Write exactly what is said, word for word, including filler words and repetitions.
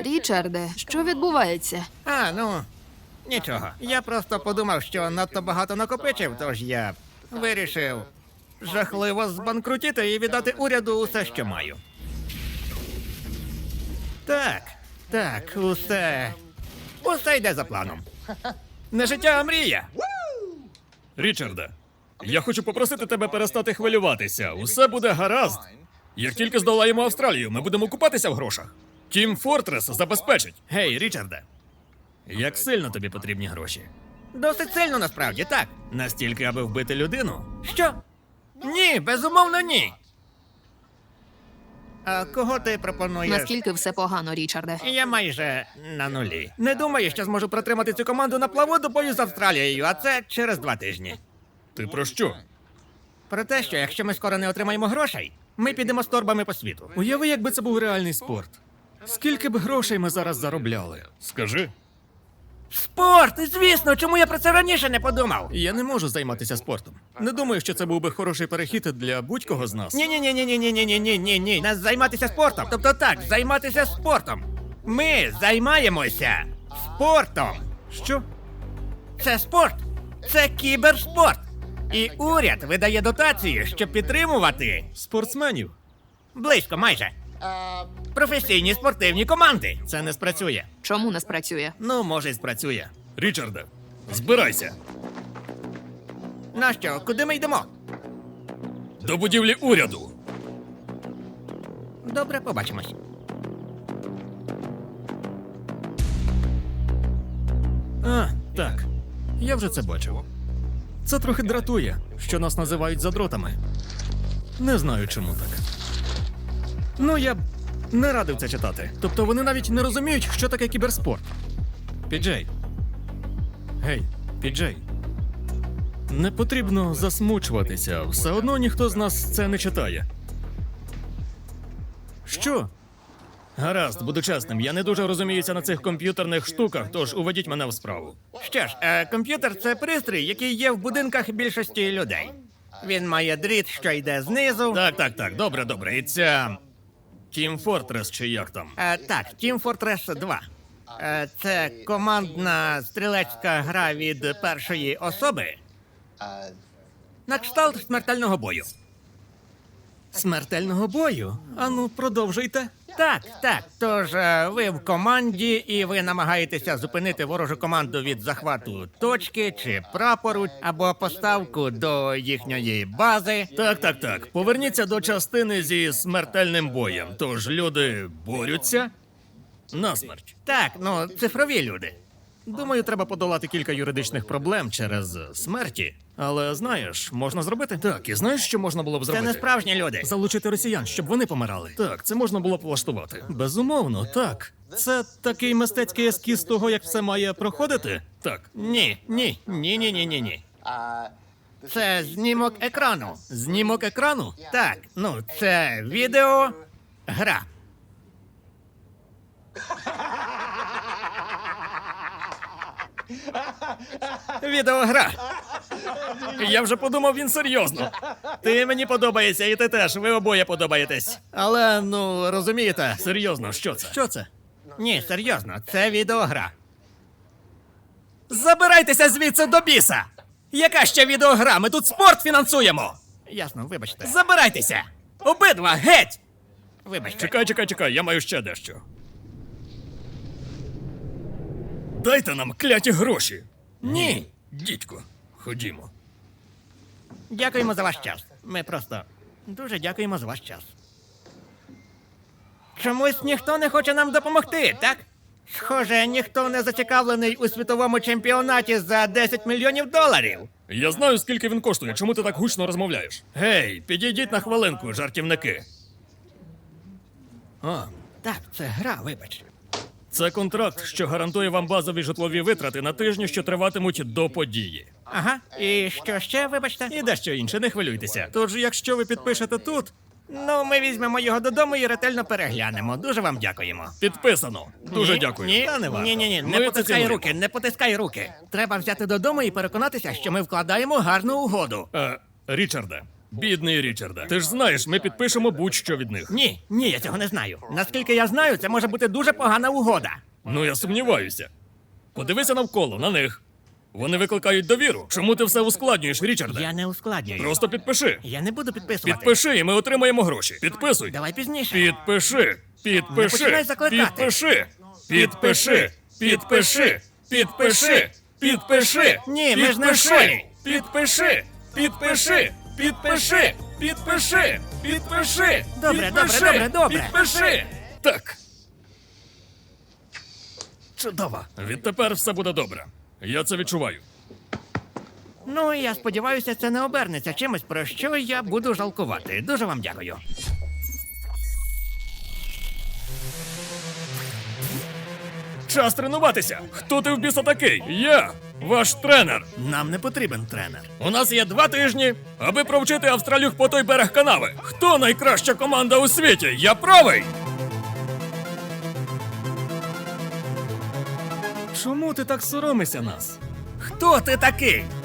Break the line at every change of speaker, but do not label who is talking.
Річарде, що відбувається?
А, ну, нічого. Я просто подумав, що надто багато накопичив, тож я вирішив жахливо збанкрутіти і віддати уряду усе, що маю. Так, так, усе. Усе йде за планом. Не життя, а мрія.
Річарде, я хочу попросити тебе перестати хвилюватися. Усе буде гаразд. Як тільки здолаємо Австралію, ми будемо купатися в грошах. Тім Фортрес забезпечить.
Гей, Річарде.
Як сильно тобі потрібні гроші?
Досить сильно, насправді, так.
Настільки, аби вбити людину?
Що? Ні, безумовно, ні. А кого ти пропонуєш?
Наскільки все погано, Річарде?
Я майже на нулі. Не думаю, що зможу протримати цю команду на плаву до бою з Австралією, а це через два тижні.
Ти про що?
Про те, що якщо ми скоро не отримаємо грошей, ми підемо з торбами по світу.
Уяви, якби це був реальний спорт. Скільки б грошей ми зараз заробляли? Скажи.
Спорт! Звісно, чому я про це раніше не подумав?
Я не можу займатися спортом. Не думаю, що це був би хороший перехід для будь-кого з нас.
Ні, ні, ні, ні, ні, ні, ні, ні, ні, ні, ні. Нас займатися спортом. Тобто так, займатися спортом. Ми займаємося спортом.
Що?
Це спорт. Це кіберспорт. І уряд видає дотації, щоб підтримувати
Спортсменів?
близько майже професійні спортивні команди. Це не спрацює.
Чому не спрацює?
Ну, може, й спрацює.
Річарде, збирайся.
Нащо? Куди ми йдемо?
До будівлі уряду.
Добре, побачимось.
А, так. Я вже це бачив. Це трохи дратує, що нас називають задротами. Не знаю, чому так. Ну, я б не радив це читати. Тобто вони навіть не розуміють, що таке кіберспорт. Піджей. Гей, Піджей. Не потрібно засмучуватися. Все одно ніхто з нас це не читає. Що? Гаразд, буду чесним. Я не дуже розуміюся на цих комп'ютерних штуках, тож уведіть мене в справу.
Що ж, е, комп'ютер це пристрій, який є в будинках більшості людей. Він має дріт, що йде знизу.
Так, так, так, добре, добре. І ця... Team Fortress чи як там?
Е, так, Team Fortress два. Е, це командна стрілецька гра від першої особи. На кшталт смертельного бою.
Смертельного бою? Ану, продовжуйте.
Так, так. Тож е, ви в команді, і ви намагаєтеся зупинити ворожу команду від захвату точки чи прапору, або поставку до їхньої бази.
Так, так, так. Поверніться до частини зі смертельним боєм. Тож люди борються насмерть.
Так, ну, цифрові люди.
Думаю, треба подолати кілька юридичних проблем через смерті. Але знаєш, можна зробити? Так, і знаєш, що можна було б
Це
зробити?
не справжні люди.
Залучити росіян, щоб вони помирали. Так, це можна було б влаштувати. Безумовно, так. Це такий мистецький ескіз того, як все має проходити? Так.
Ні, ні, ні, ні, ні, ні, ні. Це знімок екрану.
Знімок екрану?
Так, ну, це відео гра. Відеогра.
Я вже подумав, він серйозно. Ти мені подобаєшся, і ти теж. Ви обоє подобаєтесь.
Але, ну, розумієте.
Серйозно, що це?
Що це? Ні, серйозно, це відеогра.
Забирайтеся звідси до біса! Яка ще відеогра? Ми тут спорт фінансуємо!
Ясно, вибачте.
Забирайтеся! Обидва, геть!
Вибачте.
Чекай, чекай, чекай, я маю ще дещо. Дайте нам кляті гроші.
Ні.
Дідько, ходімо.
Дякуємо за ваш час. Ми просто дуже дякуємо за ваш час. Чомусь ніхто не хоче нам допомогти, так? Схоже, ніхто не зацікавлений у світовому чемпіонаті за десять мільйонів доларів.
Я знаю, скільки він коштує. Чому ти так гучно розмовляєш? Гей, підійдіть на хвилинку, жартівники. А,
Так, це гра, вибач.
це контракт, що гарантує вам базові житлові витрати на тижні, що триватимуть до події.
Ага. І що ще, вибачте?
І дещо інше, не хвилюйтеся. Тож, якщо ви підпишете тут,
Ну, ми візьмемо його додому і ретельно переглянемо. Дуже вам дякуємо.
підписано. Дуже
Ні,
дякую.
Ні,
Та не варто.
ні, ні, ні,
Ми
не
це
потискай
цінуємо.
руки, не потискай руки. Треба взяти додому і переконатися, що ми вкладаємо гарну угоду.
Е, Річарде, Бідний Річарде. Ти ж знаєш, ми підпишемо будь-що від них.
Ні, ні, я цього не знаю. Наскільки я знаю, це може бути дуже погана угода.
Ну, я сумніваюся. Подивися навколо, на них. Вони викликають довіру. Чому ти все ускладнюєш, Річарде?
Я не ускладнюю.
Просто підпиши.
Я не буду підписувати.
Підпиши, і ми отримаємо гроші. Підписуй.
Давай пізніше.
Підпиши.
Не
Підпиши.
починай закликати.
Підпиши. Підпиши. Підпиши. Підпиши. Підпиши.
Ні, ми ж не в
Підпиши.
школі.
Підпиши. Підпиши. Підпиши. Підпиши. Підпиши.
Добре, добре,
Підпиши.
добре, добре.
Підпиши. Так. Чудово. Відтепер все буде добре. Я це відчуваю.
Ну, я сподіваюся, це не обернеться чимось, про що я буду жалкувати. Дуже вам дякую.
Час тренуватися. Хто ти в біса такий? Я, ваш тренер.
Нам не потрібен тренер.
У нас є два тижні, аби провчити австралюх по той берег канави. Хто найкраща команда у світі? Я правий. Чому ти так соромишся нас?
Хто ти такий?